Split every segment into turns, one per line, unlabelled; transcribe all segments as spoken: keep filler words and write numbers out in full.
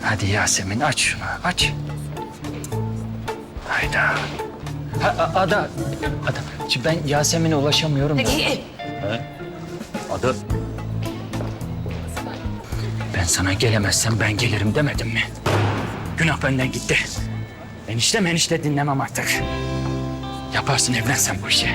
Hadi Yasemin aç şunu, aç. Hayda. Ha, a- Ada, Ada. Şimdi ben Yasemin'e ulaşamıyorum da. Ada. Ben sana gelemezsem ben gelirim demedim mi? Günah benden gitti. Enişte menişte dinlemem artık. Yaparsın, evlensen bu işi.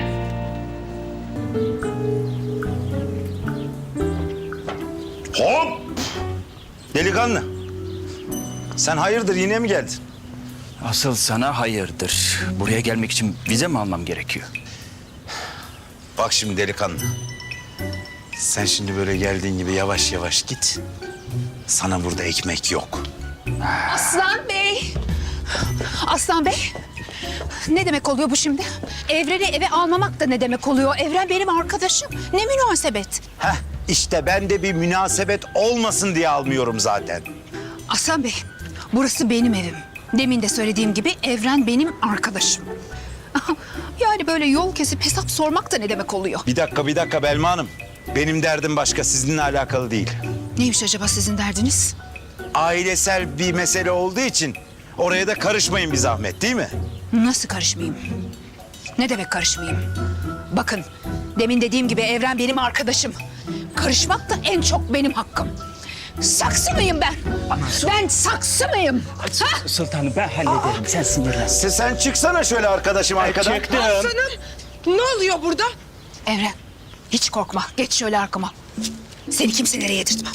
Hop! Delikanlı. Sen hayırdır yine mi geldin?
Asıl sana hayırdır. Buraya gelmek için vize mi almam gerekiyor?
Bak şimdi delikanlı. Sen şimdi böyle geldiğin gibi yavaş yavaş git. Sana burada ekmek yok.
Aslan Bey. Aslan Bey. Ne demek oluyor bu şimdi? Evren'i eve almamak da ne demek oluyor? Evren benim arkadaşım. Ne münasebet?
Heh, işte ben de bir münasebet olmasın diye almıyorum zaten.
Aslan Bey, burası benim evim. Demin de söylediğim gibi Evren benim arkadaşım. Yani böyle yol kesip hesap sormak da ne demek oluyor?
Bir dakika, bir dakika Belma Hanım. Benim derdim başka, sizinle alakalı değil.
Neymiş acaba sizin derdiniz?
Ailesel bir mesele olduğu için oraya da karışmayın bir zahmet, değil mi?
Nasıl karışmayayım? Ne demek karışmayayım? Bakın, demin dediğim gibi Evren benim arkadaşım. Karışmak da en çok benim hakkım. Saksı mıyım ben? Ben saksı mıyım? Ha?
Sultanım ben hallederim. Sen sinirlen.
Sen, sen çıksana şöyle arkadaşım arkadan.
Çıktım.
Ne oluyor burada?
Evren, hiç korkma. Geç şöyle arkama. Seni kimselere yedirtmem.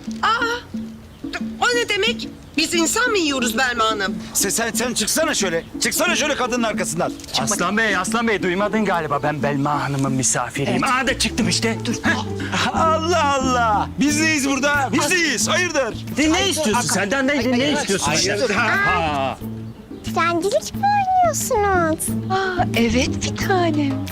O ne demek? Biz insan mı yiyoruz Belma Hanım?
Sen, sen, sen çıksana şöyle. Çıksana şöyle kadının arkasından.
Aslan Bey, Aslan Bey duymadın galiba. Ben Belma Hanım'ın misafiriyim. Aa da çıktım işte. Dur.
Allah Allah. Biz neyiz burada? Biz neyiz? Hayırdır?
Ne istiyorsun? Senden ne, ne istiyorsun?
Hayırdır?
Ha.
Dilencilik mi oynuyorsunuz?
Aa, evet bir tanem.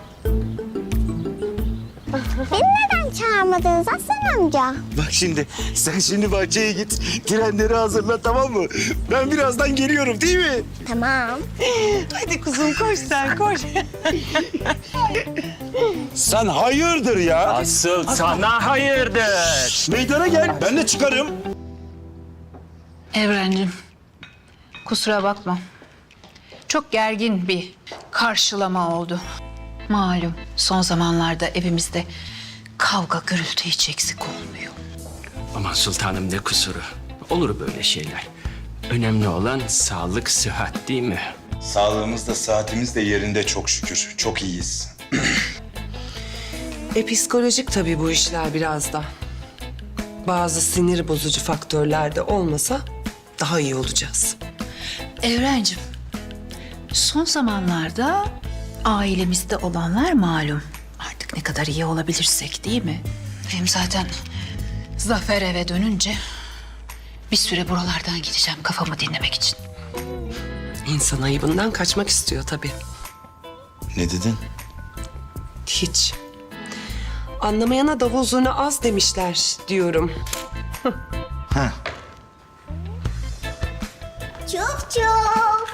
Beni neden çağırmadınız Aslan amca?
Bak şimdi sen şimdi bahçeye git. Trenleri hazırla, tamam mı? Ben birazdan geliyorum, değil mi?
Tamam.
Hadi kuzum koş sen koş.
Sen hayırdır ya?
Asıl sana hayırdır.
Meydana gel. Ben de çıkarım.
Evrencim, kusura bakma. Çok gergin bir karşılama oldu. Malum son zamanlarda evimizde kavga gürültü hiç eksik olmuyor.
Aman sultanım ne kusuru. Olur böyle şeyler. Önemli olan sağlık, sıhhat değil mi?
Sağlığımız da saatimiz de yerinde çok şükür. Çok iyiyiz.
E psikolojik tabii bu işler biraz da. Bazı sinir bozucu faktörler de olmasa daha iyi olacağız.
Evrencim, son zamanlarda ailemizde olanlar malum. Artık ne kadar iyi olabilirsek değil mi? Hem zaten Zafer eve dönünce bir süre buralardan gideceğim kafamı dinlemek için.
İnsan ayıbından kaçmak istiyor tabii.
Ne dedin?
Hiç. Anlamayana davul zurna az demişler diyorum.
Ha.
Çok çok.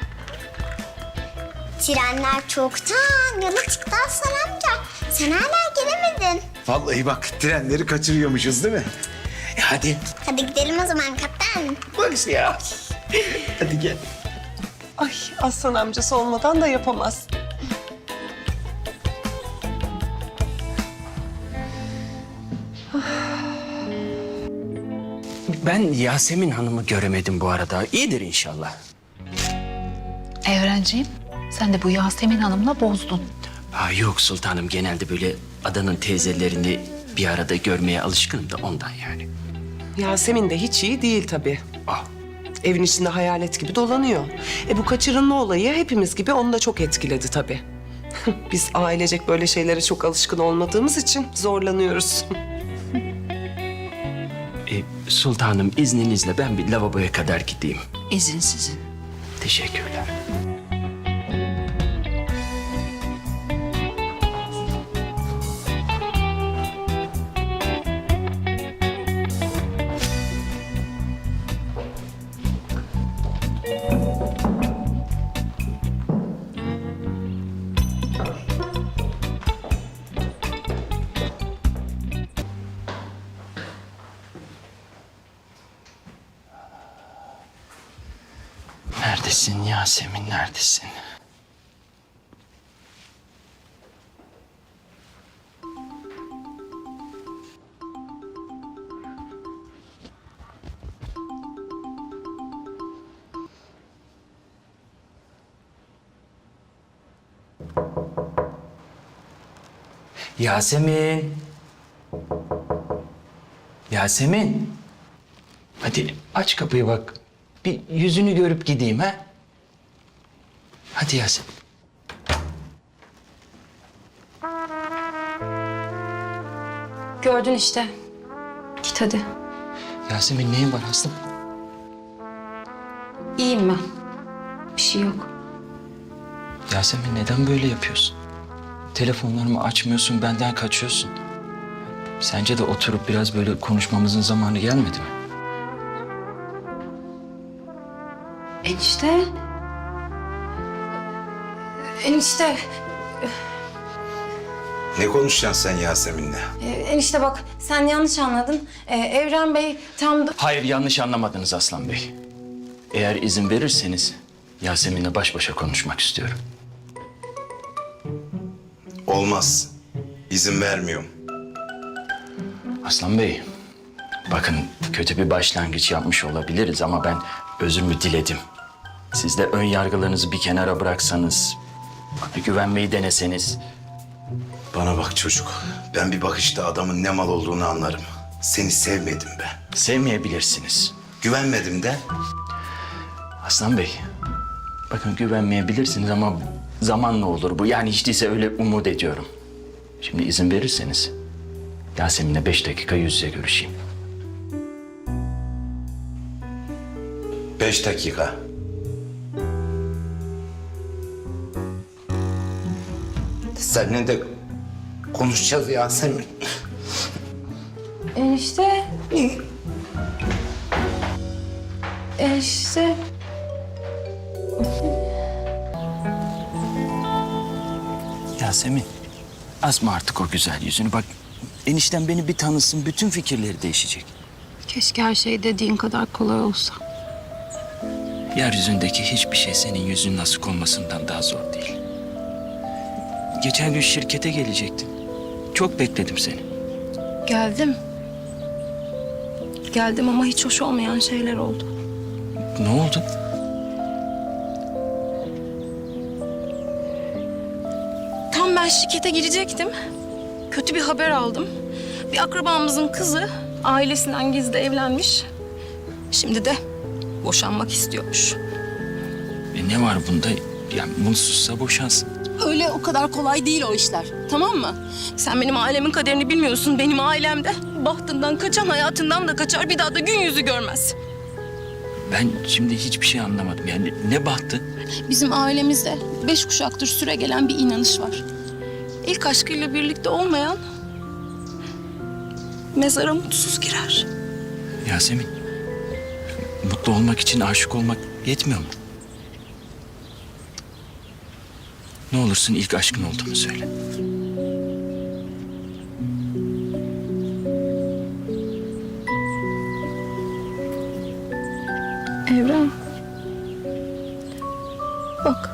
Trenler çoktan yola çıktı Aslan amca. Sen hala gelemedin.
Vallahi bak trenleri kaçırıyormuşuz değil mi? E hadi.
Hadi gidelim o zaman kaptan.
Bak ya. Hadi gel.
Ay Aslan amcası olmadan da yapamaz.
Ben Yasemin Hanım'ı göremedim bu arada. İyidir inşallah.
Evrenciğim, sen de bu Yasemin Hanım'la bozdun.
Ha, yok sultanım, genelde böyle adanın teyzelerini bir arada görmeye alışkınım da ondan yani.
Yasemin de hiç iyi değil tabii.
Ah,
Evin içinde hayalet gibi dolanıyor. E bu kaçırılma olayı hepimiz gibi onu da çok etkiledi tabii. Biz ailecek böyle şeylere çok alışkın olmadığımız için zorlanıyoruz.
e, sultanım izninizle ben bir lavaboya kadar gideyim.
İzin sizin.
Teşekkürler. Neredesin Yasemin, neredesin? Yasemin. Yasemin. Hadi aç kapıyı bak. Bir yüzünü görüp gideyim ha. Hadi Yasemin.
Gördün işte. Git hadi.
Yasemin neyin var Aslım?
İyiyim ben. Bir şey yok.
Yasemin neden böyle yapıyorsun? Telefonlarımı açmıyorsun, benden kaçıyorsun. Sence de oturup biraz böyle konuşmamızın zamanı gelmedi mi?
Enişte. Enişte.
Ne konuşacaksın sen Yasemin'le?
e, Enişte bak sen yanlış anladın. E, Evren Bey tam da...
Hayır, yanlış anlamadınız Aslan Bey. Eğer izin verirseniz Yasemin'le baş başa konuşmak istiyorum.
Olmaz. İzin vermiyorum.
Aslan Bey, bakın kötü bir başlangıç yapmış olabiliriz ama ben özürümü diledim. Siz de ön yargılarınızı bir kenara bıraksanız, bana güvenmeyi deneseniz.
Bana bak çocuk. Ben bir bakışta adamın ne mal olduğunu anlarım. Seni sevmedim ben.
Sevmeyebilirsiniz.
Güvenmedim de.
Aslan Bey, bakın güvenmeyebilirsiniz ama zamanla olur bu. Yani hiç değilse öyle umut ediyorum. Şimdi izin verirseniz Yasemin'le beş dakika yüz yüze görüşeyim.
Beş dakika. Seninle de konuşacağız Yasemin.
Enişte. Enişte.
Yasemin, asma artık o güzel yüzünü. Bak, enişten beni bir tanısın, bütün fikirleri değişecek.
Keşke her şey dediğin kadar kolay olsa.
Yeryüzündeki hiçbir şey senin yüzünün asık olmasından daha zor değil. Geçen gün şirkete gelecektin. Çok bekledim seni.
Geldim. Geldim ama hiç hoş olmayan şeyler oldu.
Ne oldu?
Tam ben şirkete girecektim. Kötü bir haber aldım. Bir akrabamızın kızı ailesinden gizli evlenmiş. Şimdi de boşanmak istiyormuş.
E ne var bunda? Yani mutsuzsa boşansın.
Öyle o kadar kolay değil o işler. Tamam mı? Sen benim ailemin kaderini bilmiyorsun. Benim ailemde bahtından kaçan hayatından da kaçar. Bir daha da gün yüzü görmez.
Ben şimdi hiçbir şey anlamadım. Yani ne bahtı?
Bizim ailemizde beş kuşaktır süre gelen bir inanış var. İlk aşkıyla birlikte olmayan mezara mutsuz girer.
Yasemin, mutlu olmak için aşık olmak yetmiyor mu? Ne olursun ilk aşkın olduğunu söyle.
Evren. Bak.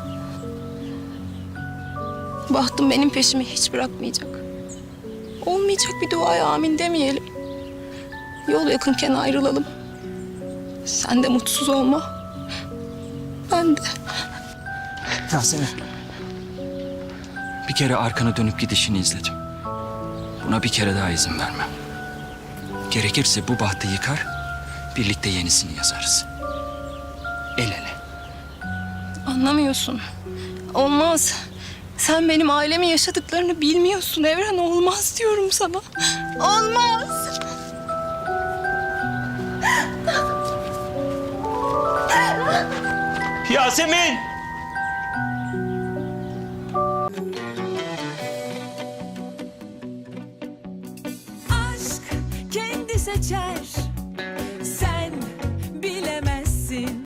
Bahtım benim peşimi hiç bırakmayacak. Olmayacak bir duaya amin demeyelim. Yol yakınken ayrılalım. Sen de mutsuz olma. Ben de.
Yasemin. Bir kere arkana dönüp gidişini izledim. Buna bir kere daha izin vermem. Gerekirse bu bahtı yıkar, birlikte yenisini yazarız. El ele.
Anlamıyorsun. Olmaz. Sen benim ailemin yaşadıklarını bilmiyorsun Evren. Olmaz diyorum sana. Olmaz.
Yasemin!